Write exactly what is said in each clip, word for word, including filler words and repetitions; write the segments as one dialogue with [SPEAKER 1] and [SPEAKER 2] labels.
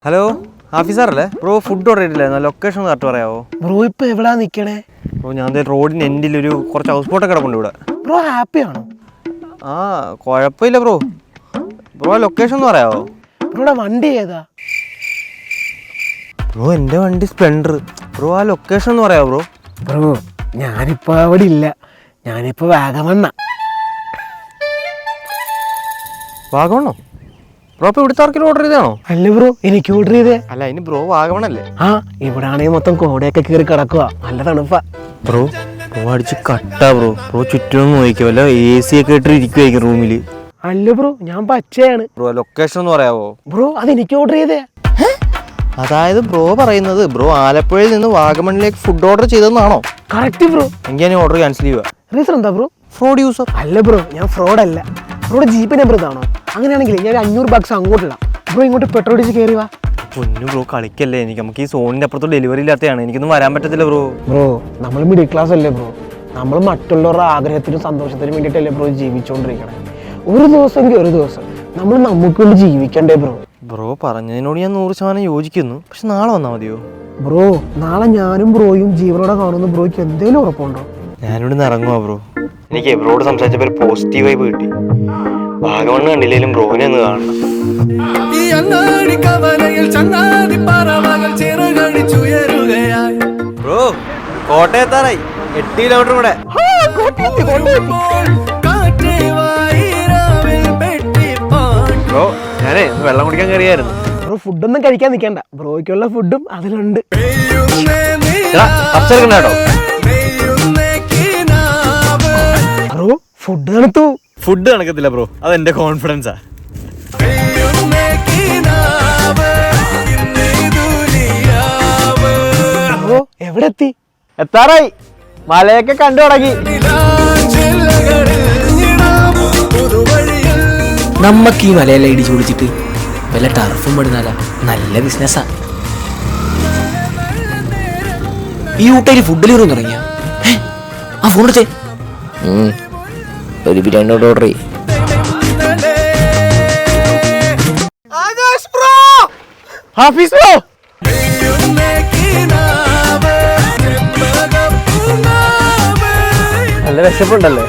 [SPEAKER 1] Hello ഹാഫിസാറല്ലേ bro? Food order ചെയ്തില്ലായിരുന്നു, location correct പറയാമോ
[SPEAKER 2] ബ്രോ? ഇപ്പൊ എവിടാ നിക്കണേ
[SPEAKER 1] ബ്രോ? ഞാൻ റോഡിന് എൻഡിൽ ഒരു കുറച്ച് ഹൗസ് ബോട്ടൊക്കെ കിടപ്പുണ്ട് ഇവിടെ.
[SPEAKER 2] ബ്രോ ഹാപ്പി ആണോ?
[SPEAKER 1] ആ കുഴപ്പമില്ല ബ്രോ. ബ്രോ ലൊക്കേഷൻ ഒന്ന് പറയാമോ?
[SPEAKER 2] ബ്രോയുടെ വണ്ടി ഏതാ?
[SPEAKER 1] ബ്രോ എൻ്റെ വണ്ടി സ്പ്ലെൻഡർ. ബ്രോ ആ ലൊക്കേഷൻ ഒന്ന് പറയാമോ ബ്രോ?
[SPEAKER 2] ബ്രോ ഞാനിപ്പോ അവിടെ ഇല്ല, ഞാനിപ്പോ വാഗമണ്ണ.
[SPEAKER 1] വാഗമണ്ണോ? ബ്രോ ഇപ്പോൾ ഇവിടുത്തെ ആർക്കെങ്കിലും ഓർഡർ ചെയ്താണോ?
[SPEAKER 2] അല്ല ബ്രോ, എനിക്ക് ഓർഡർ ചെയ്തേ.
[SPEAKER 1] അല്ല അതിന് ബ്രോ വാഗമണ്ണല്ലേ?
[SPEAKER 2] ആ ഇവിടെ ആണെങ്കിൽ മൊത്തം കോടയൊക്കെ കയറി കിടക്കുക, നല്ല തണുപ്പാ.
[SPEAKER 1] ബ്രോ ബ്രോ അടിച്ച് കട്ടാ ബ്രോ. ബ്രോ ചുറ്റുമൊന്നും നോക്കിയോ, വല്ല എ സി ഒക്കെ ഇട്ട് ഇരിക്കുമായിരിക്കും റൂമിൽ.
[SPEAKER 2] അല്ല ബ്രോ, ഞാൻ പച്ചയാണ്.
[SPEAKER 1] ബ്രോ ലൊക്കേഷൻ ഒന്ന് പറയാമോ?
[SPEAKER 2] ബ്രോ അത് എനിക്ക് ഓർഡർ ചെയ്തേ.
[SPEAKER 1] അതായത് ബ്രോ പറയുന്നത് ബ്രോ ആലപ്പുഴയിൽ നിന്ന് വാഗമണിലേക്ക് ഫുഡ് ഓർഡർ ചെയ്തതെന്നാണോ?
[SPEAKER 2] Correct bro.
[SPEAKER 1] എങ്കിൽ ഞാൻ ഓർഡർ ക്യാൻസൽ ചെയ്യുക.
[SPEAKER 2] റീസൺ എന്താ ബ്രോ?
[SPEAKER 1] Fraud user.
[SPEAKER 2] അല്ല ബ്രോ, ഞാൻ ഫ്രോഡ് അല്ല. ബ്രോയുടെ ജീപ്പ് നമ്പർ ഇതാണോ? അങ്ങനെയാണെങ്കിൽ ഞാൻ അഞ്ഞൂറ് ബക്സ് അങ്ങോട്ട് ഇടാം, ബ്രോ ഇങ്ങോട്ട് പെട്രോൾ അടിച്ച് കയറി വാ.
[SPEAKER 1] പൊന്നു ബ്രോ കളിക്കല്ലേ, എനിക്ക് നമുക്ക് ഈ സോണിന്റെ അപ്പുറത്ത് ഡെലിവറി ഇല്ലാത്തതാണ്, എനിക്കൊന്നും വരാൻ പറ്റത്തില്ല ബ്രോ.
[SPEAKER 2] ബ്രോ നമ്മൾ മിഡിൽ ക്ലാസ് അല്ലേ ബ്രോ? നമ്മൾ മറ്റുള്ളവരുടെ ആഗ്രഹത്തിനും സന്തോഷത്തിനും വേണ്ടിയിട്ടല്ലേ ബ്രോ ജീവിച്ചുകൊണ്ടിരിക്കണേ. ഒരു ദിവസമെങ്കിൽ ഒരു ദിവസം നമ്മൾ നമുക്ക് വേണ്ടി ജീവിക്കണ്ടേ ബ്രോ?
[SPEAKER 1] ബ്രോ പറഞ്ഞതിനോട് ഞാൻ നൂറ് ശതമാനം യോജിക്കുന്നു, പക്ഷെ നാളെ വന്നാൽ മതിയോ?
[SPEAKER 2] ബ്രോ നാളെ ഞാനും ബ്രോയും ജീവനോടെ കാണുന്ന ബ്രോയ്ക്ക് എന്തെങ്കിലും ഉറപ്പുണ്ടോ?
[SPEAKER 1] ഞാനിവിടെ നിന്ന് ഇറങ്ങുവാ ബ്രോ. എനിക്ക് ബ്രോയോട് സംസാരിച്ചപ്പോൾ ഒരു പോസിറ്റീവ് വൈബ് കിട്ടി. വാഗമണ്ണ് കണ്ടില്ലെങ്കിലും ബ്രോനെ ഒന്ന് കാണണം. ബ്രോ കോട്ടയത്താറായി, എട്ട് കിലോമീറ്റർ കൂടെ. ബ്രോ ഞാനേ വെള്ളം കുടിക്കാൻ കയറിയായിരുന്നു.
[SPEAKER 2] ബ്രോ ഫുഡൊന്നും കഴിക്കാൻ നിൽക്കണ്ട, ബ്രോയ്ക്കുള്ള ഫുഡും അതിലുണ്ട്.
[SPEAKER 1] കേട്ടോ
[SPEAKER 2] ബ്രോ ഫുഡ് തണുത്തു.
[SPEAKER 1] ഫുഡ് നടക്കത്തില്ല ബ്രോ, അതെന്റെ കോൺഫിഡൻസാ.
[SPEAKER 2] ബ്രോ എവിടെ എത്തി?
[SPEAKER 1] എത്താറായി, മലയൊക്കെ കണ്ടു തുടങ്ങി.
[SPEAKER 3] നമ്മക്ക് ഈ മലയെല്ലാം ഇടിച്ചു പൊളിച്ചിട്ട് വല്ല ടർഫും പടുന്നാല നല്ല ബിസിനസ്സാ. ഈ ഊട്ടയിൽ ഫുഡ് ഡെലിവറി തുടങ്ങിയ ആ ഫോൺ എടുത്തേ, ഒരു ബിരിയാണി ഓർഡർ ചെയ്യും.
[SPEAKER 2] ഹാഫിസ് ബ്രോ
[SPEAKER 1] നല്ല വിശപ്പുണ്ടല്ലേ?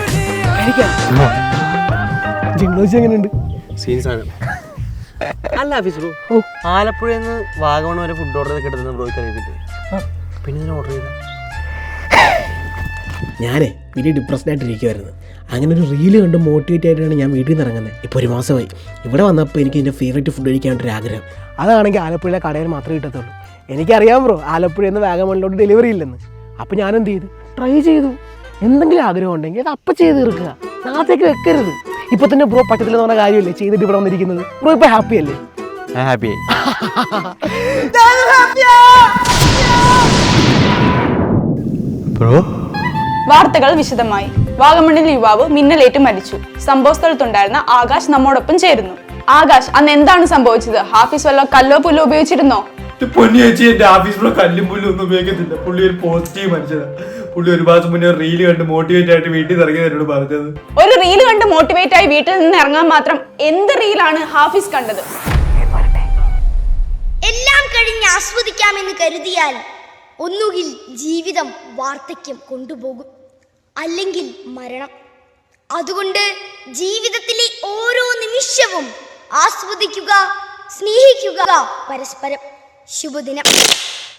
[SPEAKER 2] ജിംഗ്ലോജി എങ്ങനെയുണ്ട്?
[SPEAKER 1] അല്ല ഹാഫിസ് ബ്രോ, ആലപ്പുഴയിൽ നിന്ന് വാഗമൺ വരെ ഫുഡ് ഓർഡർ ചെയ്ത് കിട്ടുന്ന ബ്രോയ്ക്ക് അറിയത്തില്ലേ? പിന്നെ ഇതിന് ഓർഡർ ചെയ്ത
[SPEAKER 2] ഞാനേ വലിയ ഡിപ്രസ്ഡ് ആയിട്ടിരിക്കുമായിരുന്നു. അങ്ങനെ ഒരു റീല് കണ്ട് മോട്ടിവേറ്റ് ആയിട്ടാണ് ഞാൻ വീട്ടിൽ നിന്ന് ഇറങ്ങുന്നത്. ഇപ്പോൾ ഒരു മാസമായി. ഇവിടെ വന്നപ്പോൾ എനിക്ക് എൻ്റെ ഫേവറേറ്റ് ഫുഡ് കഴിക്കാനായിട്ടൊരു ആഗ്രഹം. അതാണെങ്കിൽ ആലപ്പുഴയിലെ കടയിൽ മാത്രമേ കിട്ടത്തുള്ളൂ. എനിക്കറിയാം ബ്രോ, ആലപ്പുഴയിൽ നിന്ന് വാഗമണിലോട്ട് ഡെലിവറി ഇല്ലെന്ന്. അപ്പോൾ ഞാൻ എന്ത് ചെയ്തു? ട്രൈ ചെയ്തു. എന്തെങ്കിലും ആഗ്രഹം ഉണ്ടെങ്കിൽ അത് അപ്പം ചെയ്ത് തീർക്കുക, നാളത്തേക്ക് വെക്കരുത്. ഇപ്പം തന്നെ ബ്രോ പറ്റത്തില്ലെന്ന് പറഞ്ഞ കാര്യമല്ലേ ചെയ്തിട്ട് ഇവിടെ വന്നിരിക്കുന്നത്. ബ്രോ ഇപ്പോൾ ഹാപ്പി അല്ലേ?
[SPEAKER 1] ഹാപ്പി. ബ്രോ
[SPEAKER 4] വാർത്തകൾ വിശദമായി. വാഗമണ്ണിൽ യുവാവ് മിന്നലേറ്റ് മരിച്ചു. സംഭവ സ്ഥലത്തുണ്ടായിരുന്ന ആകാശ് നമ്മോടൊപ്പം ചേരുന്നു. ആകാശ്, അന്ന് എന്താണ് സംഭവിച്ചത്? ഹാഫിസ് വല്ലോ കല്ലോ പുല്ലോ ഉപയോഗിച്ചിരുന്നോ?
[SPEAKER 5] പൊന്നി ചേച്ചി, എന്റെ ഹാഫീസ് കല്ലും പുല്ലും ഒന്നും ഉപയോഗിക്കത്തില്ല. പുള്ളി ഒരു പോസിറ്റീവ് മനുഷ്യനാ. പുള്ളി ഒരു മാസം മുന്നേ റീല് കണ്ട് മോട്ടിവേറ്റ് ആയിട്ട് വീട്ടിൽ നിന്ന് ഇറങ്ങിയത് എന്നോട് പറഞ്ഞത്.
[SPEAKER 4] ഒരു റീല് കണ്ട് മോട്ടിവേറ്റ് ആയി വീട്ടിൽ നിന്ന് ഇറങ്ങാൻ മാത്രം എന്ത് റീലാണ് ഹാഫിസ് കണ്ടത്?
[SPEAKER 6] എല്ലാം കഴിഞ്ഞ് ആസ്വദിക്കാമെന്ന് കരുതിയാൽ ഒന്നുകിൽ ജീവിതം വാർദ്ധക്യം കൊണ്ടുപോകും, അല്ലെങ്കിൽ മരണം. അതുകൊണ്ട് ജീവിതത്തിലെ ഓരോ നിമിഷവും ആസ്വദിക്കുക, സ്നേഹിക്കുക പരസ്പരം. ശുഭദിനം.